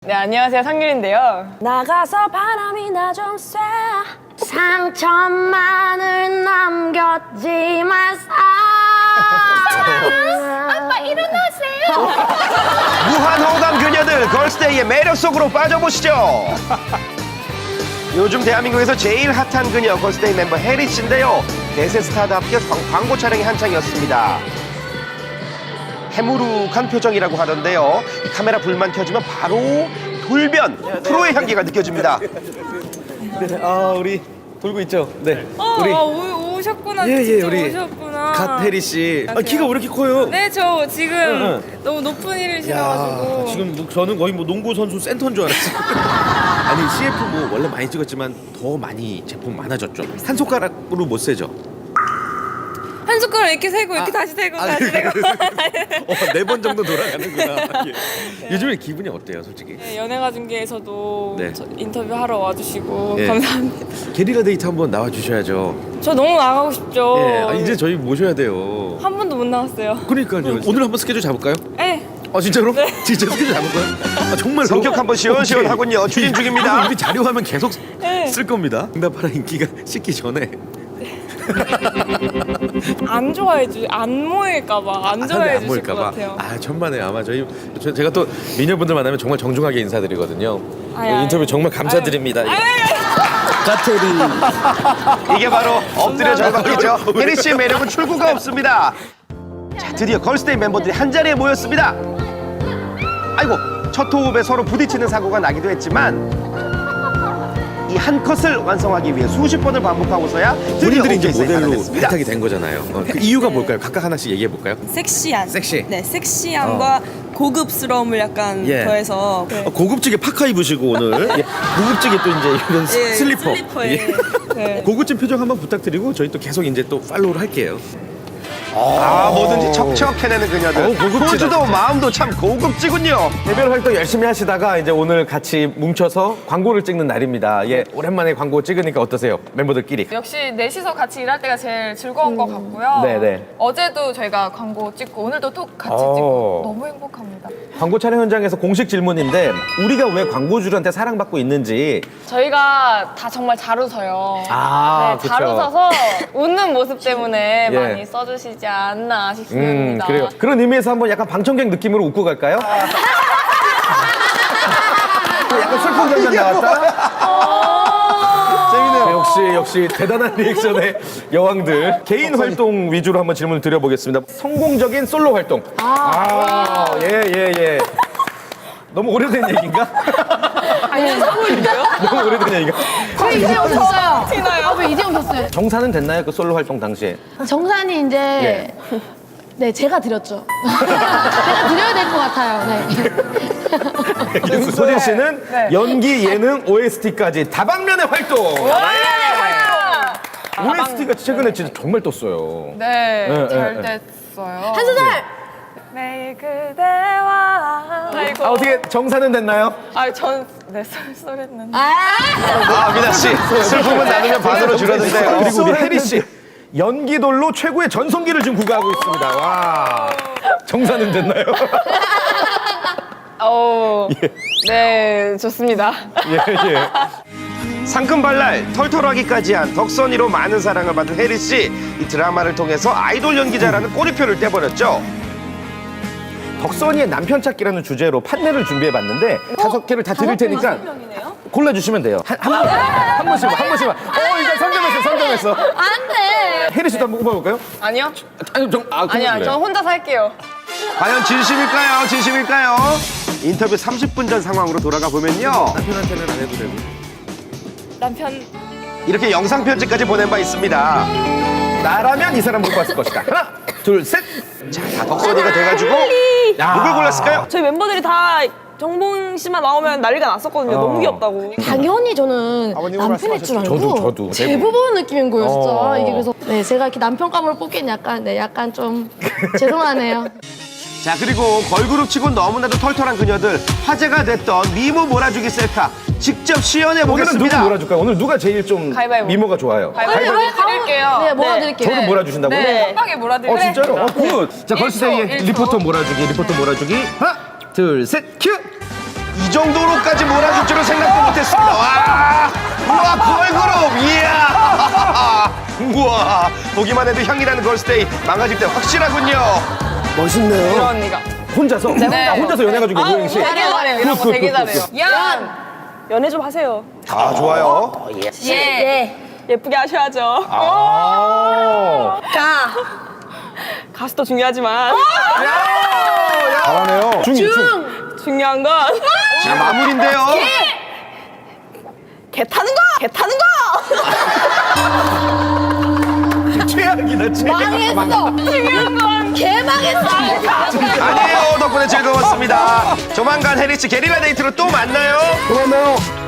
네, 안녕하세요. 상률인데요. 나가서 바람이 나 좀 쐬. 상처만을 남겼지 마사. 아빠 일어나세요. 무한 호감 그녀들 걸스데이의 매력 속으로 빠져보시죠. 요즘 대한민국에서 제일 핫한 그녀 걸스데이 멤버 혜리 씨인데요. 대세 스타답게 광고 촬영이 한창이었습니다. 해무룩한 표정이라고 하던데요. 이 카메라 불만 켜지면 바로 돌변 프로의 향기가 느껴집니다. 네, 우리 돌고 있죠. 네. 오셨구나. 예, 진짜 우리 오셨구나. 갓혜리 씨. 키가 왜 이렇게 커요? 네, 저 지금 너무 높은 일을 실어가지고. 지금 저는 거의 뭐 농구 선수 센터인 줄 알았어요. 아니 CF 뭐 원래 많이 찍었지만 더 많이 제품 많아졌죠. 한 손가락으로 못 세죠. 한 숟가락 이렇게 세고 이렇게 다시 세고 다시 세고. 4번 정도 돌아가는구나. 예. 요즘에 기분이 어때요, 솔직히? 네, 연예가 중계에서도 네. 인터뷰 하러 와주시고 예. 감사합니다. 게리라 데이트 한번 나와 주셔야죠. 저 너무 나가고 싶죠. 예. 이제 저희 모셔야 돼요. 한 번도 못 나왔어요. 그러니까요. 오늘 한번 스케줄 잡을까요? 네. 진짜로? 네. 진짜 스케줄 잡을까요? 정말로? 성격 한번 시원시원하군요. 추진 중입니다. 우리 자료화면 계속 네. 쓸 겁니다. 응답하라 인기가 식기 전에. 안 좋아해 주, 안 모일까봐 안 좋아해 주실 것 같아요. 천만에 아마 제가 또 미녀분들 만나면 정말 정중하게 인사드리거든요. 인터뷰 정말 감사드립니다. 가테리. 이게 바로 엎드려 절박이죠. 혜리 씨의 매력은 출구가 없습니다. 자, 드디어 걸스데이 멤버들이 한자리에 모였습니다. 아이고, 첫 호흡에 서로 부딪히는 사고가 나기도 했지만 이 한 컷을 완성하기 위해 수십 번을 반복하고서야 드디어 본인들이 이제 오케이 사인이 모델로 됐습니다. 발탁이 된 거잖아요. 그 이유가 뭘까요? 각각 하나씩 얘기해 볼까요? 섹시한. 섹시. 네, 섹시함과 고급스러움을 약간 더해서. 네. 고급지게 파카 입으시고 오늘 고급지게 또 이제 이런 슬리퍼. 슬리퍼에. 예. 고급진 표정 한번 부탁드리고 저희 또 계속 이제 또 팔로우를 할게요. 뭐든지 척척 해내는 그녀들. 고급지다, 포즈도 진짜. 마음도 참 고급지군요. 개별 활동 열심히 하시다가 이제 오늘 같이 뭉쳐서 광고를 찍는 날입니다. 예, 오랜만에 광고 찍으니까 어떠세요? 멤버들끼리. 역시 넷이서 같이 일할 때가 제일 즐거운 것 같고요. 네네. 어제도 저희가 광고 찍고 오늘도 또 같이 어. 찍고 너무 행복합니다. 광고 촬영 현장에서 공식 질문인데 우리가 왜 광고주들한테 사랑받고 있는지. 저희가 다 정말 잘 웃어요. 네, 잘 그쵸. 웃어서 웃는 모습 때문에 예. 많이 써주시지 않나 싶습니다. 그래요. 그런 의미에서 한번 약간 방청객 느낌으로 웃고 갈까요? 약간 슬픈 장면 나왔다. 재밌네요. 역시 대단한 리액션의 여왕들. 개인 활동 위주로 한번 질문을 드려보겠습니다. 성공적인 솔로 활동. 예. 너무 오래된 얘기인가? 아니요, 선물인데요? 너무 오래된 얘기가. 왜 이제 오셨어요? 티나요? 왜 이제 오셨어요? 정산은 됐나요? 그 솔로 활동 당시에? 정산이 이제 네, 제가 드렸죠. 제가 드려야 될 것 같아요. 네. 그래서 소진 씨는 연기, 예능, OST까지 다방면의 활동. OST가 최근에 진짜 정말 떴어요. 네, 잘 네. 됐어요. 한 소절! 매일 그대와 아이고. 어떻게 정산은 됐나요? 전 쏠쏠했는데. 미나 씨, 슬픔은 나누면 반으로 줄어든대요. 그리고 우리 혜리 씨 연기돌로 최고의 전성기를 지금 구가하고 있습니다. 와, 정산은 됐나요? 네, 좋습니다. 예. 상큼발랄, 털털하기까지 한 덕선이로 많은 사랑을 받은 혜리 씨. 이 드라마를 통해서 아이돌 연기자라는 꼬리표를 떼버렸죠. 덕선이의 남편 찾기라는 주제로 판넬을 준비해봤는데 5개를 다 드릴 테니까 골라주시면 돼요. 한 번씩만. 일단 선점했어. 안 돼! 혜리 씨도 한번 뽑아볼까요? 아니요? 아니야, 전 혼자 살게요. 과연 진심일까요? 인터뷰 30분 전 상황으로 돌아가 보면요. 남편한테는 안 해도 되고. 남편 이렇게 영상 편지까지 보낸 바 있습니다. 나라면 이 사람 못 봤을 것이다. 하나, 둘, 셋. 다 덕선이가 돼가지고 누굴 골랐을까요? 저희 멤버들이 다 정봉 씨만 나오면 난리가 났었거든요. 너무 귀엽다고. 당연히 저는 남편일 줄 알고 저도. 제부 보는 느낌인 거예요, 진짜. 이게 그래서 제가 이렇게 남편감으로 뽑기엔 약간 좀 죄송하네요. 자, 그리고 걸그룹 치고 너무나도 털털한 그녀들, 화제가 됐던 미모 몰아주기 셀카 직접 시연해 오늘은 누구 보겠습니다. 몰아줄까요? 오늘 누가 제일 좀 가위바위보. 미모가 좋아요? 가위바위보 드릴게요. 네, 몰아드릴게요. 저를 몰아주신다고요? 한 방에 몰아드릴게요. 진짜로? 굿. 자, 걸스데이의 1초. 리포터 몰아주기. 하나, 둘, 셋, 큐. 정도로까지 몰아줄 줄은 생각도 못했습니다. 와, 우와, 걸그룹, 이야. 우와, 보기만 해도 향기나는 걸스데이 망가질 때 확실하군요. 멋있네요. 이런 언니가. 혼자서? 혼자서 연애가지고 고영 씨. 되게 잘해요. 이런 거 되게 잘해요. 연애 좀 하세요. 아, 좋아요. 예쁘게 하셔야죠. 아. 가수도 중요하지만 잘하네요. 중. 중요한 건 자, 마무리인데요. 개 타는 거! 최악이다, 최악. 망했어. 중요한 건 개망했어. 아니에요. 덕분에 즐거웠습니다. 조만간 해리씨 게릴라 데이트로 또 만나요. 고마워요.